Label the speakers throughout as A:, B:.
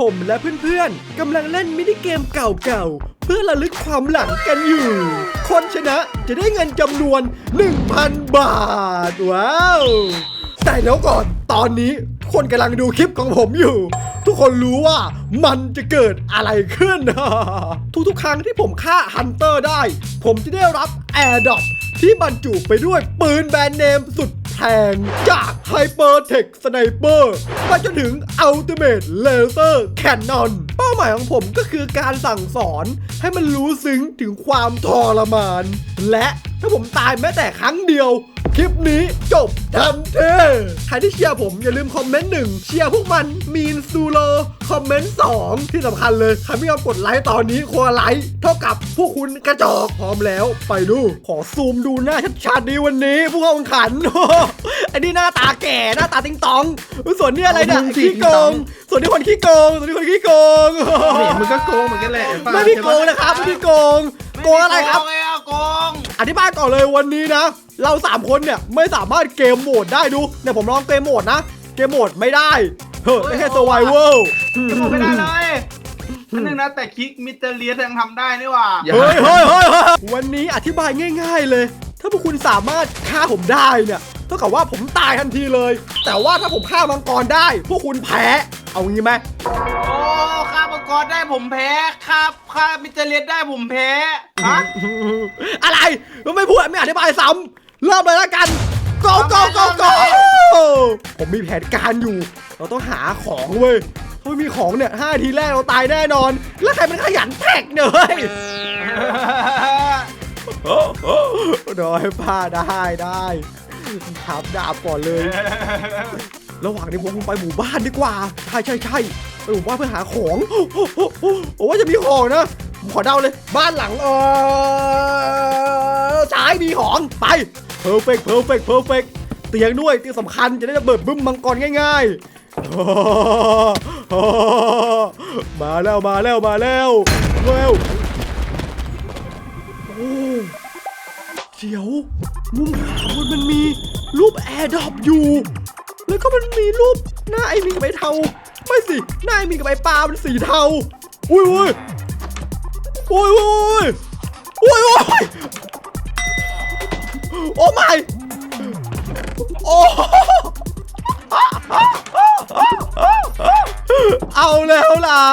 A: ผมและเพื่อนๆกำลังเล่นมินิเกมเก่าๆเพื่อระลึกความหลังกันอยู่คนชนะจะได้เงินจำนวน 1,000 บาทว้าวแต่แล้วก่อนตอนนี้คนกำลังดูคลิปของผมอยู่ทุกคนรู้ว่ามันจะเกิดอะไรขึ้น ทุกๆครั้งที่ผมฆ่าฮันเตอร์ได้ผมจะได้รับแอร์ดรอปที่บรรจุไปด้วยปืนแบรนด์เนมสุดแพงจากไฮเปอร์เทคสไนเปอร์ไปจนถึงอัลติเมทเลเซอร์แคนนอนเป้าหมายของผมก็คือการสั่งสอนให้มันรู้ซึ้งถึงความทรมานและถ้าผมตายแม้แต่ครั้งเดียวคลิปนี้จบทันทีใครที่เชียร์ผมอย่าลืมคอมเมนต์1เชียร์พวกมันมีนซูโรคอมเมนต์2ที่สำคัญเลยใครไม่ยอมกดไลค์ตอนนี้คนละไลค์เท่ากับพวกคุณกระจอกพร้อมแล้วไปดูขอซูมดูหน้าชัดๆดีวันนี้ผู้เข้าแข่งขัน อันนี้หน้าตาแก่หน้าตาติงตองส่วนนี้อะไรเนี่ยขี้โกงส่วนนี้คนขี้โกงส่วนนี้คนขี้โกง
B: เนี่ยมึงก็โกงเหมือนกันแหละ
A: ไม่พี่โกงนะครับไม่พี่โกงโกงอะไรครับ
C: โกง
A: อธิบายก่อนเลยวันนี้นะเรา3คนเนี่ยไม่สามารถเกมโหมดได้ดูเนี่ยผมลองเกมโหมดนะเกมโหมดไม่ได้ได้แค่ survival
C: ไม่ได้เลยอันนึงนะแต่คิกมิสเตอร์เลียสยังทำได้นี่ว่า
A: เฮ้ยวันนี้อธิบายง่ายๆเลยถ้าพวกคุณสามารถฆ่าผมได้เนี่ยเท่ากับว่าผมตายทันทีเลยแต่ว่าถ้าผมฆ่ามังกรได้พวกคุณแพ้เอางี้ไหม
C: โอ้ฆ่ามังกรได้ผมแพ้ฆ่ามิสเตอร์เลียสได้ผมแพ้ฮะ
A: อะไรไม่พูดไม่อธิบายซ้ำเริ่มเลยแล้วกัน go ผมมีแผนการอยู่เราต้องหาของเว้ยถ้าไม่มีของเนี่ย5 ทีแรกเราตายแน่นอนแล้วใครมันขยันแท็กเนี่ยเฮ้ยโดยผ้าได้ทับดาบก่อนเลยระหว่างนี้ผมคงไปหมู่บ้านดีกว่าใช่ไปหมู่บ้านเพื่อหาของโอ้ว่าจะมีของนะผมขอเดาเลยบ้านหลังซ้ายมีของไปเพอร์เฟกเตียงด้วยเตียงสำคัญจะได้ระเบิดบึ้มมังกรง่ายๆมาแล้วเดี๋ยวมุมขวาบนมันมีรูปแอร์ดรอปอยู่แล้วก็มันมีรูปหน้าไอ้มีกับไอ้เทาไม่สิหน้าไอ้มีกับไอ้ปลาเป็นสีเทาอุ้ยโอ้ไม่โอ้เอาแล้วล่ะ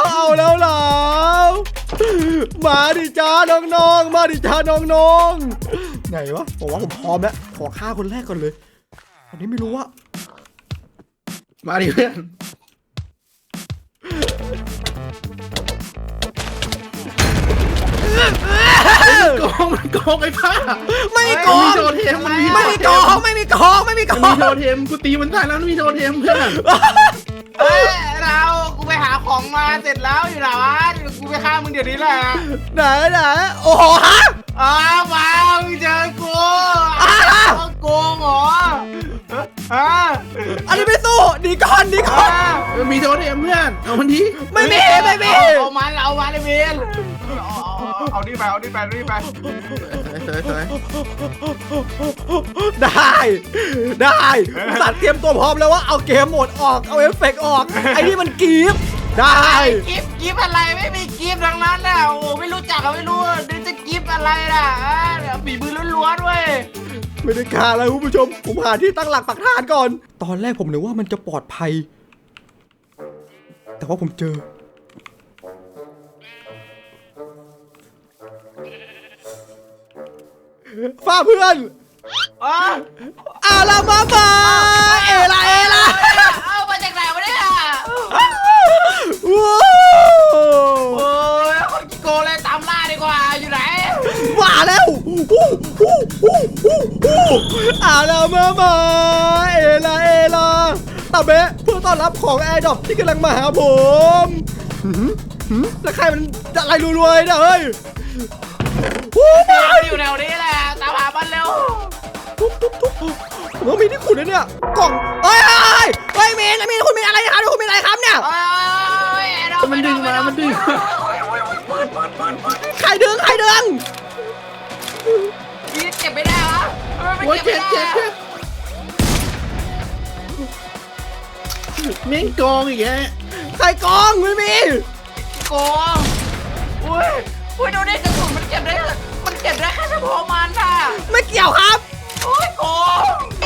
A: มาดิจ้าน้องๆไหนวะบอกว่าผมพร้อมแล้วขอฆ่าคนแรกก่อนเลยอันนี้ไม่รู้ว่า
B: มาดิเพื่อนโกงไอ้ผ้า
A: ไม่โกง
B: มีโทเทม
A: ไม่มีโกง
B: มีโทเทมกูตีมันตายแล้วมีโทเทมเพื่อน
C: กูไปหาของมาเสร็จแล้วอยู่ไหนวะกูไปฆ่ามึงเดี๋ยวนี้แหละ
A: ไหนโอ้โหฮะ
C: มามึงเจอกูโกงเหรอ
A: อันนี้ไม่สู้ดีก่อน
B: มีโทเทมเพื่อนเอามันที
A: ไม่มี
C: เอามาเลยเบนเอานี่ไป
A: ได้สัตว์เตรียมตัวพร้อมแล้วว่าเอาเกมโหมดออกเอาเอฟเฟกต์ออกไอ้นี่มันกีฟได้
C: กีฟอะไรไม่มีกีฟทั้งนั้นน่ะโอ้ไม่รู้จักไม่รู้จะกีฟอะไรล่ะฝีมือล้วนๆด้วย
A: ไม่ได้ฆ่าแล้วคุณผู้ชมผมหาที่ตั้งหลักปักฐานก่อนตอนแรกผมนึกว่ามันจะปลอดภัยแต่ว่าผมเจอฟ้าเพื่อนอาลามาเอลา
C: เอามาจากไหนวะเนี่ย
A: โอ้
C: ยคนกิโกเลยตามล่าดีกว่าอยู่ไหน
A: มาแล้วอาลามาเอลาตาเบะเพื่อต้อนรับของแอร์ดรอปที่กำลังมาหาผมแล้วใครมันอะไรรวยๆเนี่ยเฮ้ย
C: อยู่แถวนี้แหละตามหามันเร็ว
A: ผมมีที่ขุดเนี่ยกล่องมีนคุณมีอะไรครับคุณมีอะไรครับเนี่ย
B: มันดึง
A: ใครดึง
C: เก็บไม่ได้วะ
B: โอ้ยเจ็บเม่งกองอีกแก
A: ใครกองไม่มีกี่ยวครับ
C: โอ้ยโกง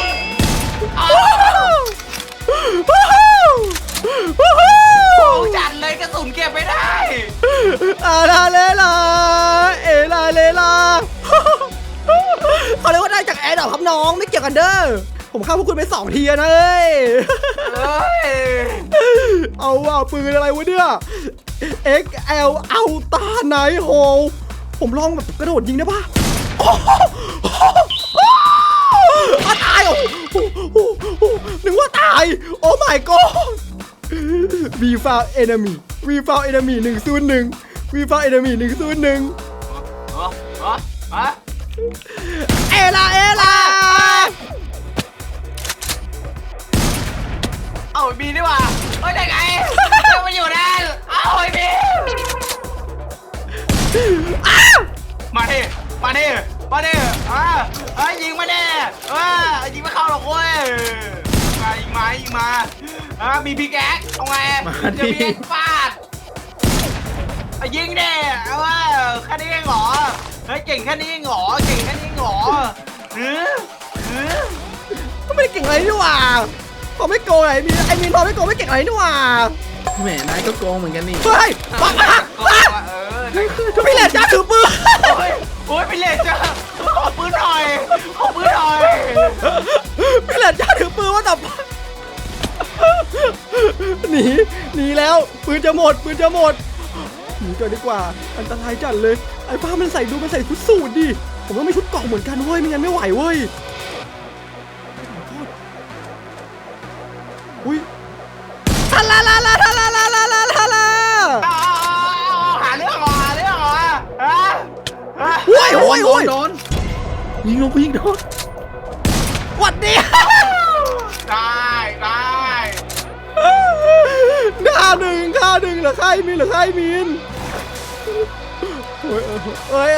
C: โกงจัดเลยกระสุนเก็บไม่ได้
A: อาลาเลลาเอลาเลลาเขาเรียกว่าได้จากแอร์ดรอปครับน้องไม่เกี่ยวกันเด้อผมฆ่าพวกคุณไป2 ทีนะเอ้ย
C: เอ้ย
A: เอาว่าปืนอะไรวะเนี่ย XL เอาตาไนโฮผมลองแบบกระโดดยิงได้ปะตายนึกว่าตายโอ้ my god we found enemy 101 we found enemy 101 เอลา
C: เอาบีดีกว่าเฮ้ยได้ไงมาอยู่นั่นเอาไอ้บีมาดิยิงมาดิยิงไม่เข้าหรอกเว้ยยิงมามีพิกแอคเอาไงจะมีฟาดยิงดิแค่นี้เองเหรอเฮ้ยเก่งแค่นี้เองเหรอ
A: ก็ไม่ได้เก่งอะไรนี่หว่าพอไม่โกงไอ้มีนพอไม่โกงไม่เก่งอะไรนี่หว่า
B: แหมนายก็โกงเหมือนกันนี่
A: เฮ้ยปังพี่เหลนจ้าถือปืน
C: โอ้ยพี่เหลนจ้าขอปืนหน่อย
A: พี่เหลนจ้าถือปืนว่าแต่หนีแล้วปืนจะหมดหนีก่อนดีกว่าอันตรายจัดเลยไอ้ป้ามันใส่ชุดสูทดิผมต้องมีชุดเกราะเหมือนกันเว้ยไม่งั้นไม่ไหวเว้ยอุ้ยทาลาหาเรื่องเหรอโอ้ย
B: โดนยิงลงไปยิงโดน
A: หวัดดี
C: ได้
A: ฆ่าหนึ่งเหรอฆ่าไอ้มินเฮ้ย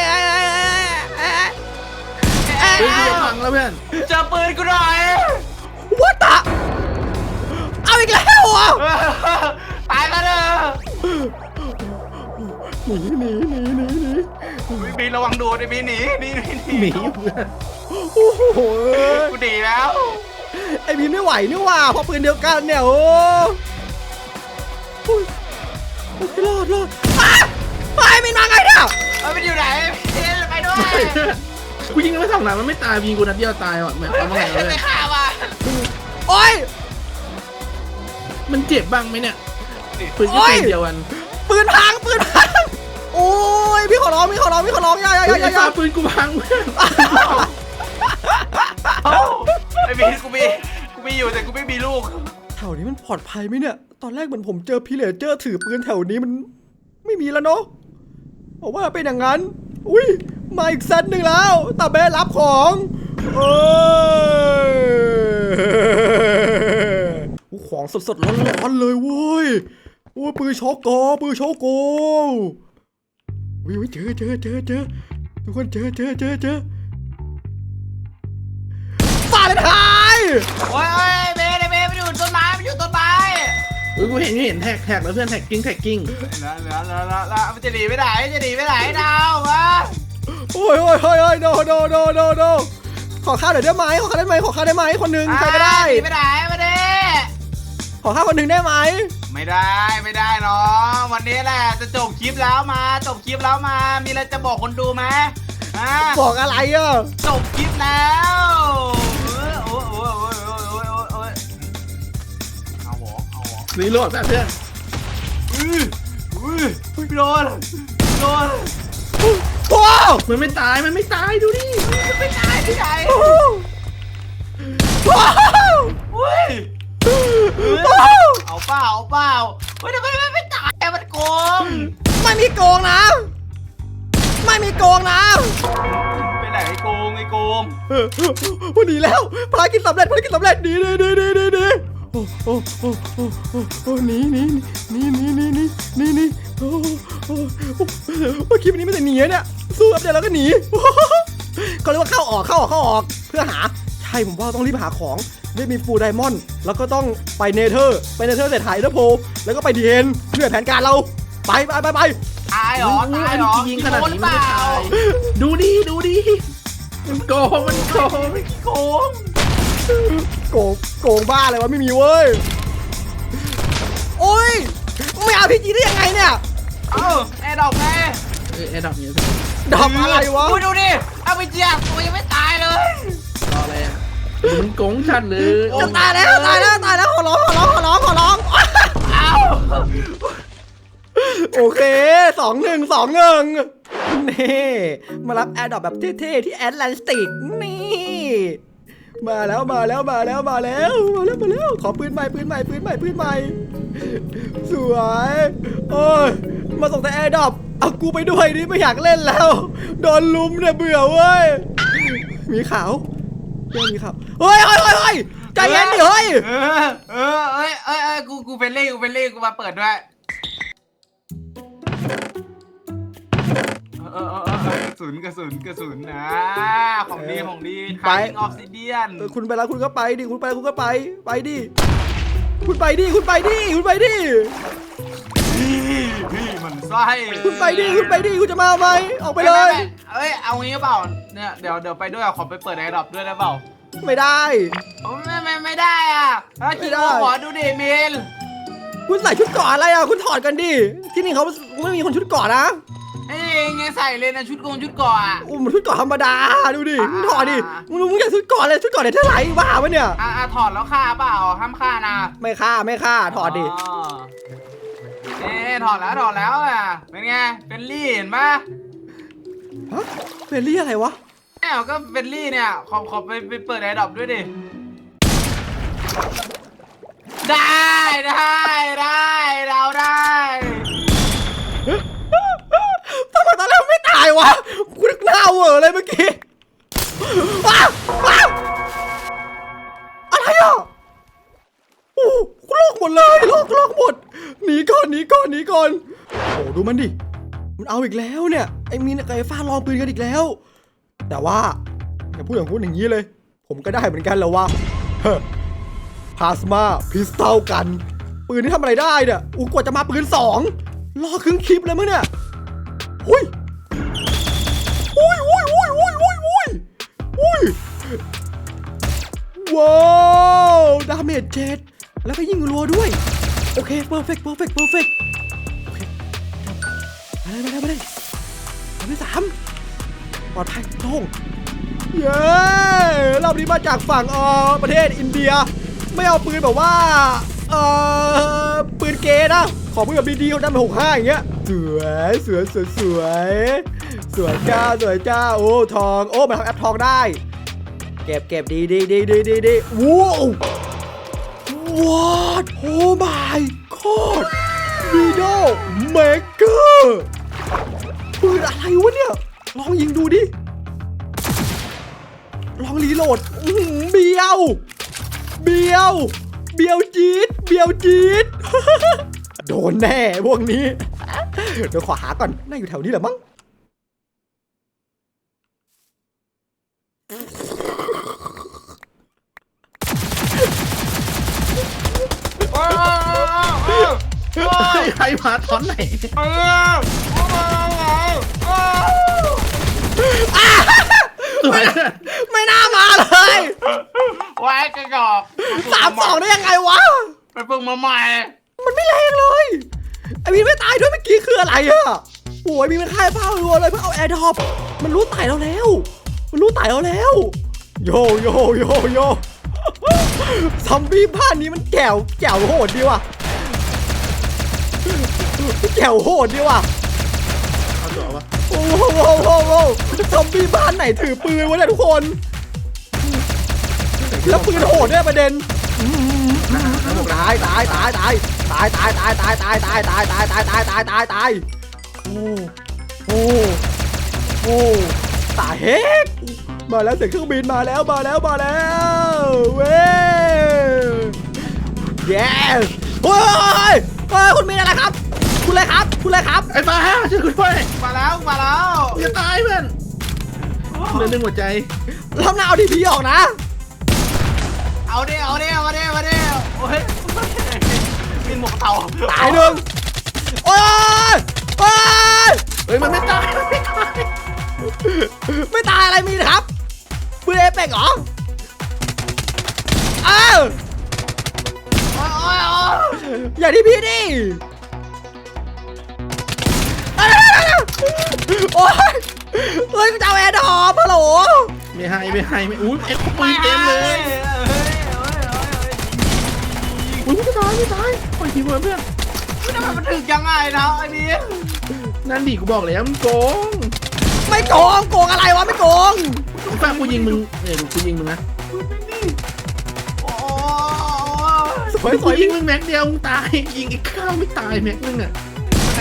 B: ปืนกูจะพังแล้วเพื่อน
C: เจอปืนกูหน่อย
A: วัดตะเอาอีกแล้วอ่ะ
C: ตายกันเถอะ
A: หนี
C: บีระวังโดนไอ้บีหนี
B: หนีเพื่อน
A: โอ้โห
C: กูดีแล้ว
A: ไอ้มินไม่ไหวนี่ว่าพอปืนเดียวกันเนี่ยโอ้รอดไปมินมาไงเนี่ย
C: มันอยู่ไหนไปด้วย
B: กูยิงไม่สองนัดมันไม่ตายยิงกูนัดเดียวตายว่ะแหมเอามาไงเลย
C: ไม่ฆ่าว่ะ
A: โอ้ย
B: มันเจ็บบ้างไหมเนี่ยปืนก็ปืนเดียวกัน
A: ปืนพังโอ้ยพี่ขอร้องอย่า
B: ปืนกูพังเพื่อน
C: ไอ้บีกูมีอยู่แต่กูไม่มีลูก
A: แถวนี้มันปลอดภัยไหมเนี่ยตอนแรกเหมือนผมเจอพี่เลเจอร์ถือปืนแถวนี้มันไม่มีแล้วเนาะบอกว่าเป็นอย่างนั้นอุ้ยมาอีกเซตหนึ่งแล้วตาเบ้รับของของสดๆร้อนๆเลยเว้ยโอ้ยปืนช็อกโกวิเจอทุกคนเจอฝ่าเลยทาย
C: โอ้ยเบไปอยู่ต้นไม้
B: กูเห็นแท็กแล้วเพื่อนแท็กกิ้ง
C: แล้วมันจะหนีไปไหนดาววะ
A: โอ้ยโนขอข้าวหน่อยได้ไหมขอข้าวได้ไหมคนหนึ่งใครก็ได้
C: หนีไปไหนมาดิ
A: ขอข้าวคนหนึ่งได้ไหม
C: ไม่ได้น้องวันนี้แหละจะจบคลิปแล้วมามีอะไรจะบอกคนดูไหม
A: บอกอะไรอ่ะ
C: จบคลิปแล้วเอาหรอ
B: รีโหลดแบบเพื่อน
C: โดน
A: ว้าว
B: มันไม่ตายดูดิ
C: ไม่ตายที่ไหน
A: ว้าว
C: เอาเปล่าเฮ้ยทำไมไม่ตายมันโกง
A: ไม่มีโกงนะไป
C: ไหนโกง
A: หนีแล้วภารกิจสำเร็จหนีหนีคลิปนี้ไม่แต่หนีเนี่ยสู้อัปเดตแล้วก็หนีเขาเรียกว่าเข้าออกเพื่อหาใช่ผมว่าต้องรีบหาของได้มีฟูลไดมอนด์แล้วก็ต้องไปเนเธอร์เสร็จถ่ายเดอร์โพแล้วก็ไปดีเอ็นเพื่อแผนการเราไป
C: ตายหรอ
B: ยิงขนาดนี้ไม่ตายดูดิมันโกงมันโกง
C: โกง
A: โกงบ้าเลยวะไม่มีเว้ยโอ้ยไม่เอาพี่จีได้ยังไงเนี่ย
C: เอ้าแอร์ดอกไง
B: ไอ้ดอกนี้
A: ดอกอะไรวะ
C: ดูดิเอาไปเจียตัวยังไม่ตายเลย
B: รออะไรอ่ะมันโกงชัดเลย
A: จะตายแล้วขอร้อง
C: เอ้า
A: โอเค2-1นี่มารับแอร์ดรอปแบบเท่ๆที่แอตแลนติกนี่มาแล้วขอปืนใหม่สวยโอ้ยมาส่งแต่แอร์ดรอปเอากูไปด้วยดิไม่อยากเล่นแล้วโดนลุมเนี่ยเบื่อเว้ยมีขาวมีขาวเฮ้ยใจเย็นดิเฮ้ย
C: กูเป็นเล่กูมาเปิดด้วยกระสุนนะของดีทางออกซิเดียน
A: คุณไปแล้วคุณก็ไปดิคุณไปดิคุณไปดิ
C: มันไส้
A: คุณไปดิคุณจะมาไหมออกไปเลย
C: เอางี้เปล่าเนี่ยเดี๋ยวไปด้วยขอไปเปิดแอร์ดรอปด้วยได้เปล่า
A: ไม่ได้
C: ไม่ได้อ่ะคิดขอดูดิเมล
A: คุณใส่ชุดเกราะอะไรอ่ะคุณถอดกันดิที่นี่เขาไม่มีคนชุดเกราะนะ
C: ไงใส่เลยนะชุดเกาะอ่ะ
A: มันชุดเกราะธรรมดาดูดิมึงถอดดิมึงอยากชุดเกราะเลยชุดเกราะเนี่ยเท่าไหร่บ้าปะเนี่ย
C: ถอดแล้วฆ่าเปล่าห้ามฆ่านะ
A: ไม่ฆ่าถอดดิ
C: ถอดแล้วอ่ะเป็นไงเป็นลี่เห็นปะ
A: ฮะเฟรนลี่อะไรวะ
C: ก็เป็นลี่เนี่ยขอไปเปิดแอร์ดรอปด้วยดิได้เราได้
A: ทำไมตอนแรกไม่ตายวะกูนึกหน้าเวอร์เลยเมื่อกี้ว้าวอะไรอ่ะโอ้โลกหมดเลยโลกหมดหนีก่อนโอ้ดูมันดิมันเอาอีกแล้วเนี่ยไอ้มีนกับไอ้ฟ้าลองปืนกันอีกแล้วแต่ว่าอย่าพูดอย่างนี้เลย ผมก็ได้เหมือนกันแล้ววะพลาสมาพิสตัลกันปืนที่ทำอะไรได้เนี่ยกว่าจะมาปืน2รอครึ่งคลิปเลยมั้งเนี่ยอุ้ยว้าวดาเมจ7แล้วก็ยิงรัวด้วยโอเคเพอร์เฟกต์โอเคมาเลยอันที่3ปลอดภัยโล่งเย้รอบนี้มาจากฝั่งประเทศอินเดียไม่เอาปืนแบบว่าปืนเกย์นะขอปืนแบบดีๆเขาได้มา65อย่างเงี้ยสวยจ้าโอ้ทองโอ้มันทำแอปทองได้เก็บดีว้าวโอ้ my god วีโดเมเกอร์ปืนอะไรวะเนี่ยลองยิงดูดิลองรีโหลดเบียวจี๊ด โดนแน่พวกนี้เดี๋ยวขอหาก่อนน่าอยู่แถวนี้แหละมั้ง
B: ใครมาตอนไหน
A: ไม่น่ามาเลย
C: ไว้กระจอก
A: 3-2ได้ยังไงวะ
C: ไปฝึกมาใหม่
A: มันไม่แรงเลยไอ้มีไม่ตายด้วยเมื่อกี้คืออะไรอะโอ้ยมีมันฆ่าเป้ารัวเลยเพื่อเอาแอร์ดรอปมันรู้ตายเราแล้วโยซอมบี้บ้านนี้มันแจ๋วโหดดีว่ะ
B: เอาตัววะ
A: โอ้โหซอมบี้บ้านไหนถือปืนวะเนี่ยทุกคนแล้วปืนโหดด้วยประเด็นตายโอ้ตายเฮ้ยมาแล้วเสียงเครื่องบินมาแล้วเว้ย yes เฮ้ยคุณมีอะไรครับคุณเลยครับ
B: ไอ้ฟ้าช่วยคุณด้วย
C: มาแล้ว
B: อย่าตายเพื่อนเหลือ1หัวใจ
A: รอบหน้าเอาดีพีออกนะ
C: เอาดิโอ้ยมีหมวกเต่า
A: ตายหนึ่งโอ้ย
B: เฮ้ยมันไม่ตาย
A: ไม่ตายอะไรมีนะครับเป็กเหรออ้าว
C: โอ้ยโอ้ย
A: อย่าที่พี่ดิโอ้ยเฮ้ยกูจะเอาแอร์ดรอปฮัลโหล
B: ไม่ให้ไม่อุ้ยไอ้ขโมยเต็มเลยอุ้ยไม่ตายโอ้ยทีมเพื่อน
C: ทำไมมันถึงยังไงนะไอ้นี่
B: นั่นดิกูบอกแล้วมันโกง
A: ไม่โกงโกงอะไรวะไม่โกง
B: ฟังกูยิงมึงเนี่ยดูกูยิงมึงนะ
C: โอ้
A: สวย
B: กูยิงมึงแม็กเดียวมึงตายยิงไอ้ข้าวไม่ตายแม็กนึงอ่ะ
C: แหม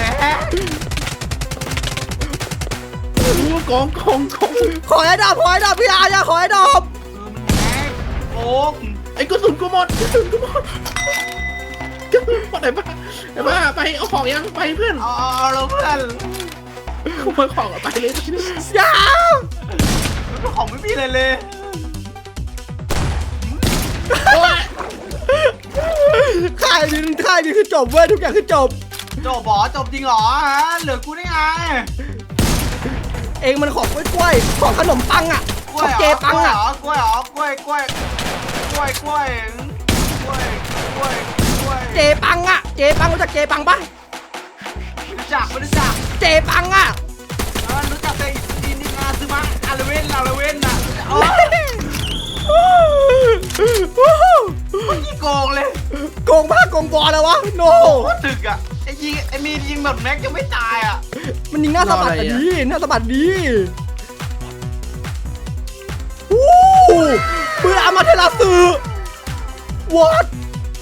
B: รู้ว่ากอง
A: ขอให้ดอกพี่อาอย่าขอให้ดอก
C: โอ้ง
B: ไอ้กระสุนกูหมดไหนบ้าไปเอาของยังไปเพื่อน
C: เอาเราเพื่อน
B: ขโมยของไปเลย
A: อย่า
C: ของไม่มีเลยเลย
B: โอ้ย
A: ค่ายนี้คือจบเว้ยทุกอย่างคือจบ
C: จบจบจริงเหรอฮะเหลือกูได้ไง
A: เองมันของกล้วยของขนมปังอ่ะ
C: ก
A: ข
C: ล้
A: อ
C: วย
A: งเจปังอ่ะ
C: กล้วยกล้วย
A: เจปังอ่ะเจปังรู้จักเจปังปะ
C: ไม่รู้จัก
A: เจปังอ่ะ
C: รู้จักแต่อินดินาซึมะอาราเวนน่ะโอ้ยยี่โกงเลย
A: โกงบ้าโกงบอลแล้ววะโน
C: โคตรถึกอ่ะไอ้มียิงแบบแม็กยังไม่ตายอ่ะ
A: มันยิงหน้าสะบัดดีหน้าสะบัดดีวู้ปืนอามาเทลาสือวอด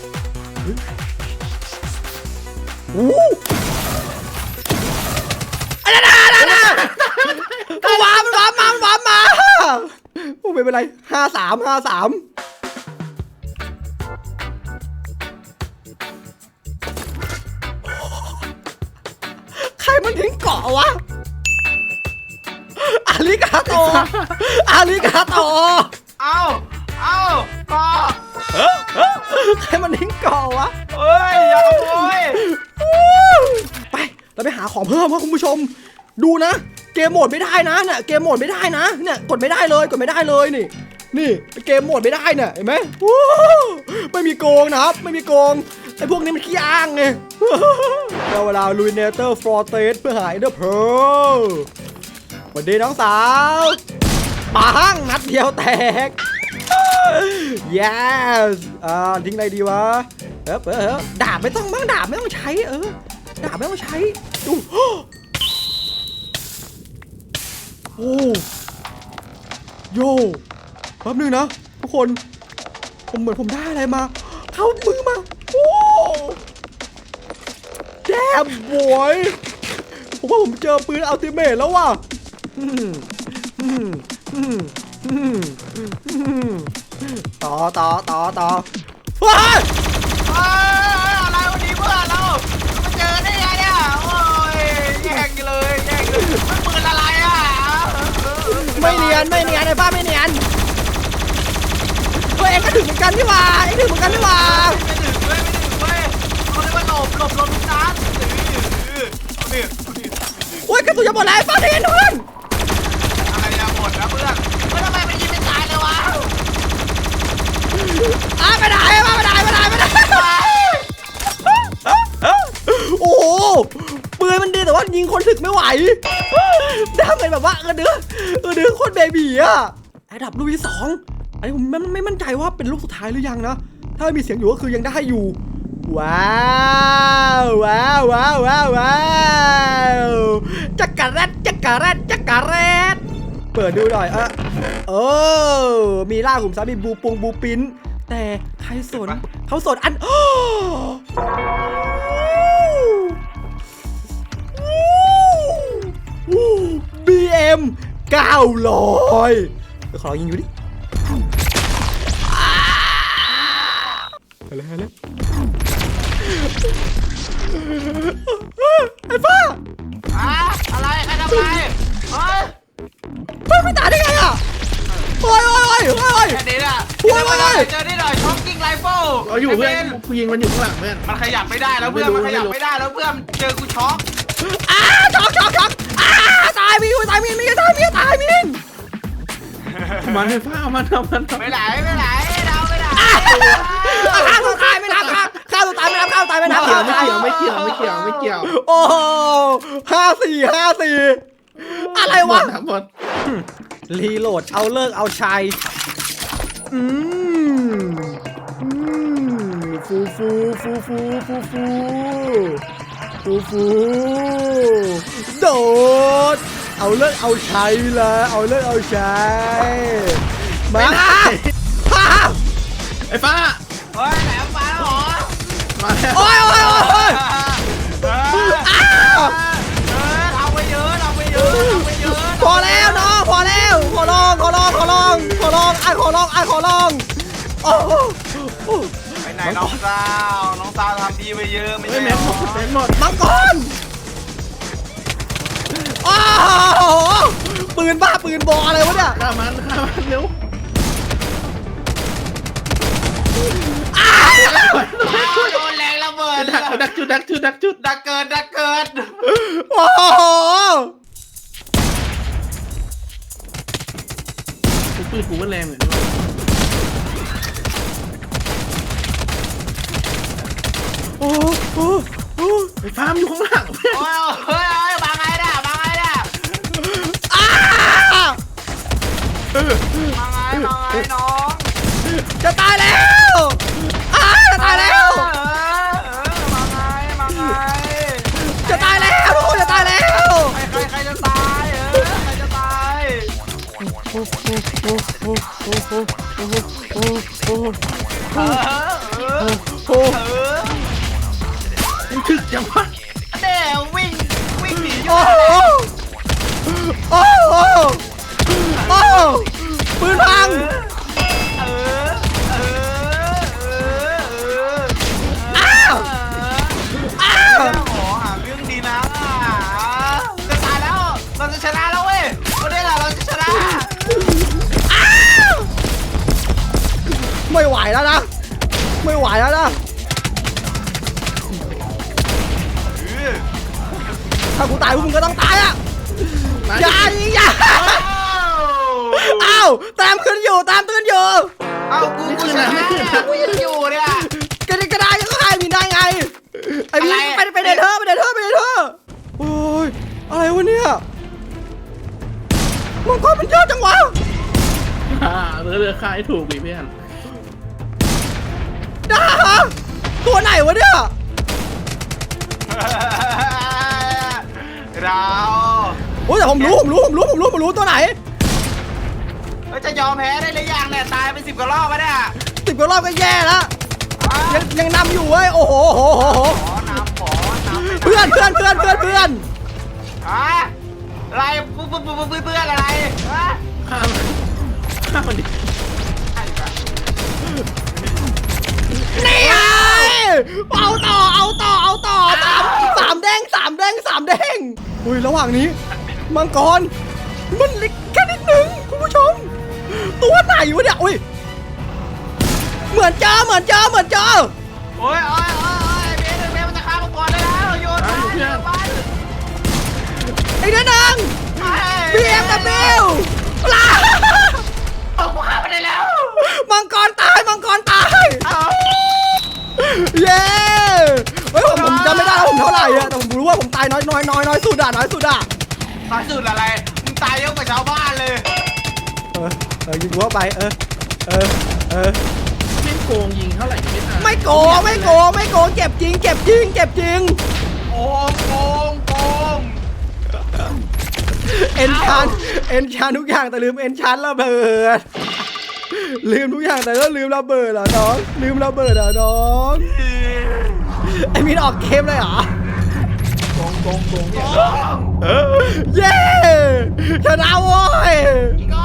A: วู้อะไรนะมันวามมาโอ้ไม่เป็นไร53ใครมันทิ้งเกาะวะอาริกาโต
C: เอาก็
A: ใครมันทิ้งเกาะวะ
C: เอ้ยอย่าขโมย
A: ไปเราไปหาของเพิ่มครับคุณผู้ชมดูนะเกมโหมดไม่ได้นะเนี่ยเกมโหมดไม่ได้นะเนี่ยกดไม่ได้เลยนี่เกมโหมดไม่ได้เนี่ยเห็นไหมไม่มีโกงนะครับไม่มีโกงไอ้พวกนี้มันขี้อ้างไงเราเวลาลุยเนเตอร์ฟลอเตสเพื่อหาเดอร์เพลสวัสดีน้องสาวปังนัดเดียวแตก yes ทิ้งอะไรดีวะดาบไม่ต้องมั้งดาบไม่ต้องใช้ดาบไม่ต้องใช้ดูโอ้โย่แป๊บนึงนะทุกคนผมเหมือนผมได้อะไรมาเข้ามือมาโอ้แดมบอยผมว่าผมเจอปืนอัลติเมทแล้วว่ะต่อว้า
C: อะไรวันนี้เพื่อนเรามาเจอได้ไงเนี่ยโอ้ยแย่งเลยมันปืนอะไรอ่ะ
A: ไม่เนียนไอ้ป้าไม่เนียนตัวเองก็ถึงเหมือนกันนี่หว่าไม่ถึงเว้
C: ยเขาเรียกว่าหลบทุกนัดนี่
A: โอ้ยกระสุนจะหมดแล้วป้าเนียนเพื่อน
C: อะไรเนี่ยหมดนะเพื่อนทำไมมันยิงไม่ตายเลยวะ
A: ไม่ได้โอ้โหปืนมันดีแต่ว่ายิงคนถึกไม่ไหวดาเมจแบบว่าดื้อโคตรเบบีอะอันดับลูกที่2อันนี้ผมไม่มั่นใจว่าเป็นลูกสุดท้ายหรือยังนะถ้ามีเสียงอยู่ก็คือยังได้อยู่ว้าวจักรแรดเปิดดูหน่อยมีล่าขุมทรัพย์มีบูปินแต่ใครสนเขาสนอันBM 900เดี๋ยวขอยิงอยู่ดิอะไรไอ้ป้า
C: อะไรใครทำอะไร
A: ไม่ตายได้ไงอ่ะโอ้ย
C: แค่นี้แหละเจอนี่หน่อยช็อคกิ้งไรเฟิล
B: เราอยู่เพื่อนกูยิงมันอยู่ข้างหลังเพื่อน
C: มันขยับไม่ได้แล้วเพื่อนมันเจอกูช็อก
A: ช็อกตายมิน
B: มันไฟฟ้ามันทำมัน
C: ไม่ไหลไม่ไหลเราไม่ไหล
A: ข้าวตัวตายไม่นับข้าวตัวตายไม่นับข้าวตายไม่นับ
B: ไม่เกี่ยวไม่เกี่ยวไม่เกี่ยวไม่เกี่ยว
A: โอ้5-4อะไรวะ
B: หมด
A: รีโหลดเอาเลิกเอาชัยอืมฟูโดดเอาเลิกเอาชัยละเอาเลิกเอาชัยมาฮ่า
B: ไอ้ฟ้า
C: เฮ้ยแหลมมาแล้วเหรอ
B: มาแล้ว
A: โอ้ยทำไปเยอะทำไปเยอะพอแล้วน้องพอแล้วขอลองขอลองโอ้โห
C: ไปไหนน้องสาวทำดีไปเยอะไม่
B: ไม่
C: ใช่
B: แม็กหมดแม็กหมด
A: มังกรโอ้โหปืนบ้าปืนบออะไรวะเนี่ย
B: ฆ่ามันเร็ว
C: โดนแรงระเบิด
B: ดักจุด
C: ดักเกิด
A: โอ้โห
B: ปืนกูมันแรงเหมือนกัน
A: โอ้โห
B: ไอ้ฟ้ามันอยู่ข้างหลัง
C: โอ้ยมาไงเนี่ยมาไงน้อง
A: จะตายแล้วจะตายแล้ว
C: มาไง
A: จะตายแล้วทุกคนจะตายแล้ว
C: ใครจะตายใครจะตาย
B: มันถึกจังวะ
C: เดี๋ยววิ่งหนีอยู่
A: โอ้โหปืนพัง
C: หาเรื่องดีนะจะตายแล้วเราจะชนะแล้วเว้ยวันนี้เราจะชนะ
A: ไม่ไหวแล้วนะถ้ากูตายพวกมึงก็ต้องตายอ่ะอย่าอ้าวตามขึ้นอยู่
C: เอากูชนะกูยังอยู่เนี่ย
A: กระดาษยังก็ให้มีได้ไงไอ้พี่ไปเดทเธอโอ้ยอะไรวะเนี่ยมังกรมันเยอะจังวะ
B: เรือค่ายถูกอีเพื่อน
A: ด่าตัวไหนวะเนี่ย
C: เรา
A: โอ้ยแต่ผมรู้ตัวไหน
C: จะยอมแพ้ได้หรือยังเนี่ยตายไป10 กว่ารอบแล้วเนี่ย
A: 10 กว่ารอบก็แย่แล้วยังนำอยู่เว้ยโอ้โห
C: ขอน้ำ
A: เพื่อน
C: อะไรเพื่อนอะไร
B: ฆ่ามันดิ
A: นี่ไงเอาต่อสามแดงอุ้ยระหว่างนี้มังกรมันเล็กแค่นิดนึงคุณผู้ชมตัวไหนวะเนี่ยอุ้ยเหมือนเจอ
C: โอ้ยเบสมันจะฆ่ามังกรได้แล้วโยนไป
A: ไอ้นั่นนึง BMW ลา
C: เอากูฆ่าไปได้แล้ว
A: มังกรตายเย้เฮ้ยผมจำไม่ได้แล้วผมเท่าไหร่อะแต่ผมรู้ว่าผมตายน้อยสุดอะ
C: ตายสุดอะไรมึงตายเยอะกว่าชาวบ้านเลย
A: ยิงหัวไป
B: ไม่โกงยิงเท่าไหร่ก็ไม่ทัน
A: ไม่โกงเจ็บจริง
C: โกง
A: เอ็นชานทุกอย่างแต่ลืมเอ็นชานระเบิดลืมทุกอย่างแต่ก็ลืมระเบิดเหรอน้องไอ้มินออกเกมเลยเหรอ
B: โกงเนี่ย
A: เย้ชนะโว้ย
C: โก